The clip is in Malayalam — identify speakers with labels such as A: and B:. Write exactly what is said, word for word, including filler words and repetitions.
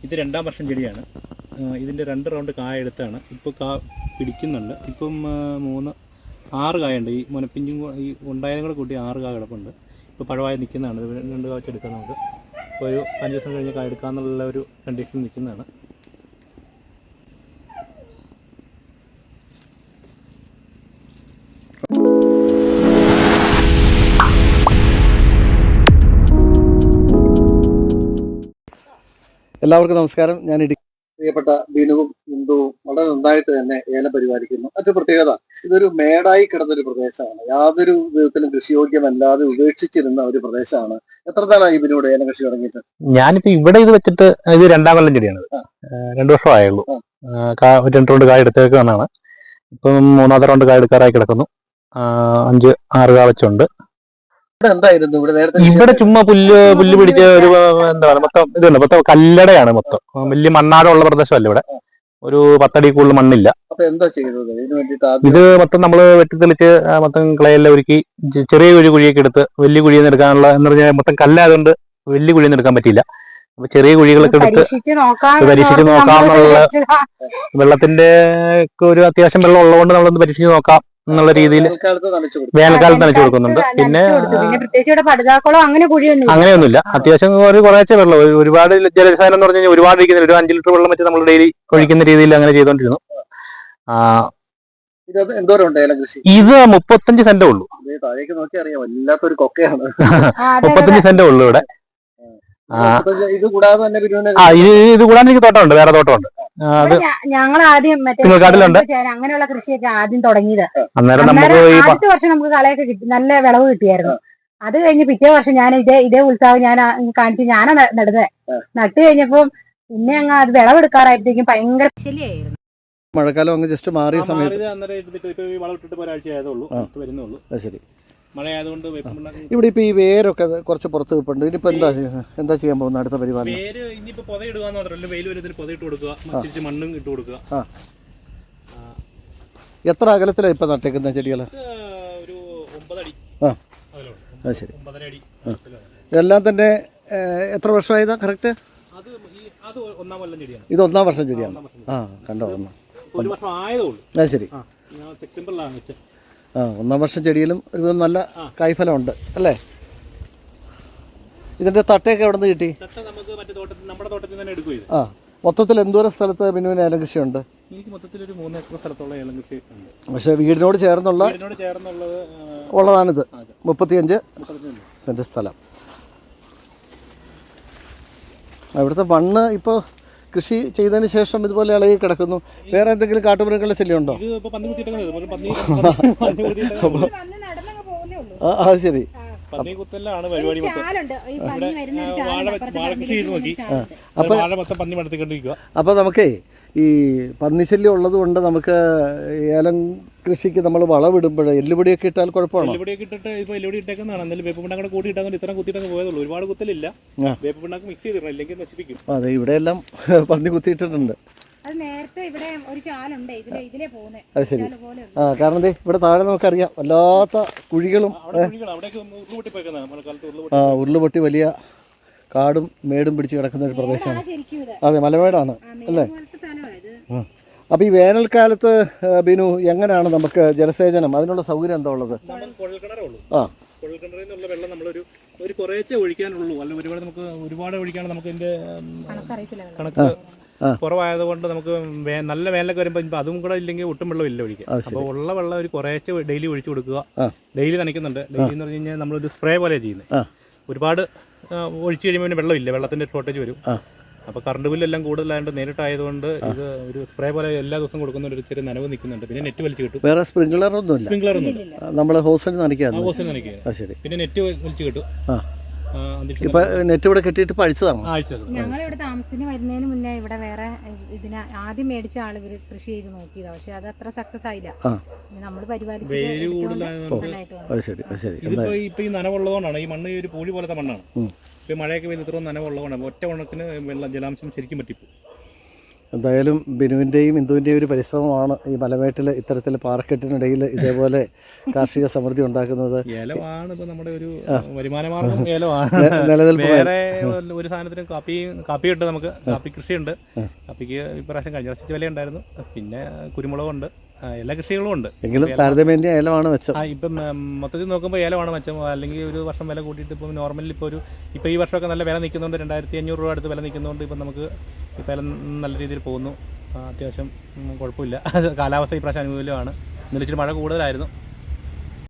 A: ഇത് രണ്ടാം വർഷം ചെടിയാണ്. ഇതിൻ്റെ രണ്ട് റൗണ്ട് കായ എടുത്താണ്. ഇപ്പോൾ കാ പിടിക്കുന്നുണ്ട്. ഇപ്പം മൂന്ന് ആറ് കായുണ്ട്. ഈ മുനപ്പിഞ്ചും ഈ ഉണ്ടായതും കൂടെ കൂട്ടി ആറ് കായ കിടപ്പുണ്ട്. ഇപ്പോൾ പഴമായി നിൽക്കുന്നതാണ്. രണ്ട് കായ വെച്ചെടുക്കാം നമുക്ക്. ഇപ്പോൾ ഒരു അഞ്ച് ദിവസം കഴിഞ്ഞ് കായ എടുക്കാമെന്നുള്ള ഒരു കണ്ടീഷനിൽ നിൽക്കുന്നതാണ്.
B: എല്ലാവർക്കും നമസ്കാരം. ഞാൻ ഇടുക്കി പ്രിയപ്പെട്ട ബിനുവും ബിന്ദുവും വളരെ നന്നായിട്ട് തന്നെ ഏലം പരിപാലിക്കുന്നു. മറ്റു പ്രത്യേകത, ഇതൊരു മേടായി കിടന്നൊരു പ്രദേശമാണ്. യാതൊരു വിധത്തിലും കൃഷിയോഗ്യമല്ലാതെ ഉപേക്ഷിച്ചിരുന്ന ഒരു പ്രദേശമാണ്. എത്ര നാളായി ബിനുവിടെ ഏലം കൃഷി തുടങ്ങിയിട്ട്?
A: ഞാനിപ്പോ ഇവിടെ ഇത് വെച്ചിട്ട് ഇത് രണ്ടാം കൊല്ലം ചെടിയാണ്. രണ്ടു വർഷം ആയുള്ളൂ. രണ്ട് റൗണ്ട് കായ എടുത്തേക്കാണ്. ഇപ്പം മൂന്നാമത്തെ റൗണ്ട് കായ എടുക്കാറായി കിടക്കുന്നു. അഞ്ച് ആറ് കാ വെച്ചുണ്ട്.
B: എന്തായിരുന്നു ഇവിടെ നേരത്തെ?
A: ഇവിടെ ചുമ്മാ പുല്ല് പുല്ല് പിടിച്ച ഒരു എന്താ പറയുക, മൊത്തം ഇതുണ്ട്. മൊത്തം കല്ലടയാണ്. മൊത്തം വലിയ മണ്ണാടുള്ള പ്രദേശമല്ല. ഇവിടെ ഒരു പത്തടി കൂടുതൽ മണ്ണില്ല.
B: അപ്പൊ എന്താ ചെയ്തത് ഇതിന് വേണ്ടിയിട്ട്?
A: ഇത് മൊത്തം നമ്മള് വെട്ടിത്തെളിച്ച് മൊത്തം ക്ലയെല്ലാം ഒരുക്കി ചെറിയ ഒരു കുഴിയൊക്കെ എടുത്ത് വലിയ കുഴിയിൽ നിന്ന് എടുക്കാനുള്ള എന്ന് പറഞ്ഞാൽ മൊത്തം കല്ലായതുകൊണ്ട് വലിയ കുഴിയിൽ നിന്ന് എടുക്കാൻ പറ്റിയില്ല. അപ്പൊ ചെറിയ കുഴികളൊക്കെ എടുത്ത് പരീക്ഷിച്ച് നോക്കാമെന്നുള്ള, വെള്ളത്തിന്റെ ഒരു അത്യാവശ്യം വെള്ളം ഉള്ളതുകൊണ്ട് നമ്മളൊന്ന് പരീക്ഷിച്ച് നോക്കാം എന്നുള്ള രീതിയിൽ വേനൽക്കാലത്ത് നനച്ചു കൊടുക്കുന്നുണ്ട്. പിന്നെ അങ്ങനെയൊന്നുമില്ല. അത്യാവശ്യം ഒരു കുറേശ്ശെ വെള്ളം, ഒരുപാട് ജലസാധനം എന്ന് പറഞ്ഞു കഴിഞ്ഞാൽ ഒരുപാട് ഒഴിക്കുന്നില്ല. ഒരു അഞ്ച് ലിറ്റർ വെള്ളം വെച്ച് നമ്മൾ ഡെയിലി ഒഴിക്കുന്ന രീതിയിൽ അങ്ങനെ ചെയ്തോണ്ടിരുന്നു. ഇത് മുപ്പത്തഞ്ച് സെന്റേ ഉള്ളൂ.
B: താഴേക്ക് നോക്കി അറിയാം, വല്ലാത്തൊരു കൊക്കയാണ്.
A: മുപ്പത്തഞ്ച് സെന്റേ ഉള്ളൂ ഇവിടെ.
B: ഇത് കൂടാതെ തന്നെ
A: ആ ഇത് ഇത് കൂടാതെ എനിക്ക് തോട്ടമുണ്ട്, വേറെ തോട്ടമുണ്ട്.
C: ഞങ്ങൾ ആദ്യം
A: കാട്ടിലുണ്ട്.
C: അങ്ങനെയുള്ള കൃഷിയൊക്കെ ആദ്യം തുടങ്ങിയത്.
A: അന്നേരം നമുക്ക്
C: ആദ്യത്തെ വർഷം നമുക്ക് കളയൊക്കെ കിട്ടി, നല്ല വിളവ് കിട്ടിയായിരുന്നു. അത് കഴിഞ്ഞ് പിറ്റേ വർഷം ഞാൻ ഇതേ ഇതേ ഉത്സാഹം ഞാൻ കാണിച്ച് ഞാനാ നടുന്നത്. നട്ട് കഴിഞ്ഞപ്പോ പിന്നെ അങ്ങ് അത് വിളവെടുക്കാറായപ്പോഴത്തേക്കും ഭയങ്കര ശല്യായിരുന്നു.
B: മഴക്കാലം അങ്ങ് ജസ്റ്റ് മാറിയ സമയത്ത് ശരി
A: മഴയായതുകൊണ്ട്
B: ഇവിടെ ഇപ്പൊ ഈ വേരൊക്കെ കുറച്ച് പുറത്ത് വെപ്പുണ്ട്. ഇനിയിപ്പോ എന്താ എന്താ ചെയ്യാൻ പോകുന്ന അടുത്ത പരിപാടി?
A: വേര് ഇനിയിപ്പോ പൊതയിടുക മാത്രമല്ല, വെയിൽ വരുന്നതിന് പൊതയിട്ട് കൊടുക്കുക, മണ്ണും ഇട്ട് കൊടുക്കുക.
B: എത്ര അകലത്തിലാണ് ഇപ്പൊ നട്ടേക്കുന്ന ചെടികള്?
A: ഒരു ഒമ്പതടി.
B: ആ അത് ശരി. ഇതെല്ലാം തന്നെ എത്ര വർഷമായതാ കറക്റ്റ്? ഇത് ഒന്നാം വർഷം ചെടിയാണ്. ആ കണ്ടോ, ഒന്നാം
A: ഒരു വർഷം ആയതേ ഉള്ളൂ.
B: അത് ശരി.
A: സെപ്റ്റംബറിലാണ് വെച്ചത്.
B: ആ ഒന്നാം വർഷം ചെടിയിലും ഒരുവിധം നല്ല കായ്ഫലമുണ്ട് അല്ലേ? ഇതിന്റെ തട്ടയൊക്കെ എവിടെ നിന്ന് കിട്ടി? ആ മൊത്തത്തിൽ എന്തോരം സ്ഥലത്ത് ബിനുവിന് ഏലം കൃഷിയുണ്ട്?
A: എനിക്ക് മൊത്തത്തിൽ ഒരു മൂന്ന് ഏക്കർ സ്ഥലത്തോളം ഏലം കൃഷി ഉണ്ട്.
B: പക്ഷെ വീടിനോട് ചേർന്നുള്ള ഉള്ളതാണിത്. മുപ്പത്തിയഞ്ച് സെന്റ് സ്ഥലം. ഇവിടുത്തെ മണ്ണ് ഇപ്പോൾ കൃഷി ചെയ്തതിന് ശേഷം ഇതുപോലെ ഇളകി കിടക്കുന്നു. വേറെ എന്തെങ്കിലും കാട്ടുമൃഗങ്ങളുടെ ശല്യം ഉണ്ടോ? അത് ശരി. അപ്പൊ നമുക്കേ ഈ പന്നിശല്യം ഉള്ളത് കൊണ്ട് നമുക്ക് ഏലം കൃഷിക്ക് നമ്മൾ വളവിടുമ്പോൾ എല്ലുപൊടിയൊക്കെ ഇട്ടാൽ കുഴപ്പമാണോ?
A: എല്ലുപൊടിയൊക്കെ ഇട്ടിട്ട് ഇപ്പൊ എല്ലുപൊടി ഇട്ടേക്കുന്നതാണ്. എന്നാലും വേപ്പിണ്ണാക്കൂടെ കൂടി ഇട്ടാൽ ഇത്ര കുത്തിയിട്ടങ്ങ് പോയതുള്ളൂ. ഒരുപാട് കുത്തലില്ല. വേപ്പിണ്ണാക്ക് മിക്സ് ചെയ്തിടണം, ഇല്ലെങ്കിൽ നശിപ്പിക്കും.
B: അതെ, ഇവിടെ എല്ലാം പന്നി കുത്തിയിട്ടിട്ടുണ്ട്.
C: അത് നേരത്തെ ഇവിടെ ഒരു ചാലുണ്ട്, ഇതിലെ ഇതിലെ പോകുന്നത്.
B: അത് ശരി. ആ കാരണം ദേ ഇവിടെ താഴെ നമുക്കറിയാം വല്ലാത്ത കുഴികളും ആ ഉരുളുപൊട്ടി വലിയ കാടും മേടും പിടിച്ച് കിടക്കുന്ന ഒരു പ്രദേശമാണ്. അതെ, മലമേടാണ് അല്ലേ? അപ്പോൾ ഈ വേനൽക്കാലത്ത് ബിനു എങ്ങനെയാണ് നമുക്ക് ജലസേചനം, അതിനുള്ള സൗകര്യം എന്താ ഉള്ളത്? ആ
A: കുഴൽക്കിണറിൽ വെള്ളം നമ്മളൊരു ഒരു കുറേച്ചേ ഒഴിക്കാനുള്ളൂ. അല്ല ഒരുപാട് നമുക്ക് ഒരുപാട് ഒഴിക്കാണ്. നമുക്ക് ഇതിന്റെ കണക്ക് കുറവായതുകൊണ്ട് നമുക്ക് നല്ല വേനലൊക്കെ വരുമ്പോൾ ഇപ്പം അതും കൂടെ ഇല്ലെങ്കിൽ ഒട്ടും വെള്ളം ഇല്ല ഒഴിക്കുക. അപ്പോൾ ഉള്ള വെള്ളം ഒരു കുറേച്ചെ ഡെയിലി ഒഴിച്ചു കൊടുക്കുക. ഡെയിലി നനയ്ക്കുന്നുണ്ട്. ഡെയിലി എന്ന് പറഞ്ഞു കഴിഞ്ഞാൽ നമ്മളൊരു സ്പ്രേ പോലെ ചെയ്യുന്നത്. ഒരുപാട് ഒഴിച്ചു കഴിയുമ്പോൾ വെള്ളമില്ല, വെള്ളത്തിന്റെ ഷോർട്ടേജ് വരും. അപ്പോൾ കറണ്ട് ബില്ലെല്ലാം കൂടുതലായതുകൊണ്ട് നേരിട്ടായതുകൊണ്ട് ഇത് ഒരു സ്പ്രേ പോലെ എല്ലാ ദിവസവും കൊടുക്കുന്ന ഒരു ചെറിയ നനവ് നിൽക്കുന്നുണ്ട്. പിന്നെ നെറ്റ് വലിച്ചു കിട്ടും.
B: വേറെ സ്പ്രിംഗ്ലർ ഒന്നും ഇല്ല.
A: സ്പ്രിംഗ്ലർ ഒന്നും
B: നമ്മൾ ഹോസിൽ നനയ്ക്കുക.
A: ഹോസിൽ നനയ്ക്കുക. പിന്നെ നെറ്റ് വലിച്ചു കിട്ടും.
B: ഇപ്പൊ നെറ്റ് ഇവിടെ കെട്ടിയിട്ട് പഴിച്ചതാണ്.
C: ഞങ്ങൾ ഇവിടെ താമസത്തിന് വരുന്നതിന് മുന്നേ ഇവിടെ വേറെ ഇതിന് ആദ്യം മേടിച്ച ആള് ഇവര് കൃഷി ചെയ്ത് നോക്കിയതാ. പക്ഷെ അത് അത്ര സക്സസ് ആയില്ല. നമ്മൾ പരിപാലിച്ച്
A: ഇപ്പൊ ഈ നനവുള്ളതുകൊണ്ടാണ്. ഈ മണ്ണ് ഒരു പൂഴി പോലത്തെ മണ്ണാണ്. ഇപ്പൊ മഴയൊക്കെ പെയ്ത് ഇത്രയും നനവുള്ളതുകൊണ്ടാണ് ഒറ്റ ഉണക്കിന് വെള്ളം ജലാംശം ശരിക്കും പറ്റിപ്പോ.
B: എന്തായാലും ബിനുവിൻ്റെയും ഇന്ദുവിൻ്റെയും ഒരു പരിശ്രമമാണ് ഈ മലമേട്ടിൽ ഇത്തരത്തിൽ പാറക്കെട്ടിനിടയിൽ ഇതേപോലെ കാർഷിക സമൃദ്ധി ഉണ്ടാക്കുന്നത്.
A: ഏലമാണ് ഇപ്പൊ നമ്മുടെ ഒരു വരുമാന മാർഗം, ഏലമാണ്.
B: നിലനിൽപ്പ്
A: വേറെ ഒരു സാധനത്തിനും കാപ്പി കാപ്പി ഉണ്ട്, നമുക്ക് കാപ്പി കൃഷിയുണ്ട്. കാപ്പിക്ക് ഇപ്രാവശ്യം കഴിഞ്ഞ വർഷത്തെ വില ഉണ്ടായിരുന്നു. പിന്നെ കുരുമുളകുണ്ട്, എല്ലാ കൃഷികളും ഉണ്ട്.
B: എങ്കിലും താരതമ്യേന ഏലമാണ് മെച്ചം.
A: ആ ഇപ്പം മൊത്തത്തിൽ നോക്കുമ്പോൾ ഏലമാണ് മെച്ചം. അല്ലെങ്കിൽ ഒരു വർഷം വില കൂട്ടിയിട്ട് ഇപ്പം നോർമലി ഇപ്പോൾ ഒരു ഇപ്പോൾ ഈ വർഷമൊക്കെ നല്ല വില നിൽക്കുന്നുണ്ട്. രണ്ടായിരത്തി അഞ്ഞൂറ് രൂപ അടുത്ത് വില നിൽക്കുന്നതുകൊണ്ട് ഇപ്പം നമുക്ക് ഇപ്പം വില നല്ല രീതിയിൽ പോകുന്നു. അത്യാവശ്യം കുഴപ്പമില്ല. കാലാവസ്ഥ ഈ പ്രാവശ്യം അനുകൂലമാണ്. ഇന്നലെ ഇച്ചിരി മഴ കൂടുതലായിരുന്നു.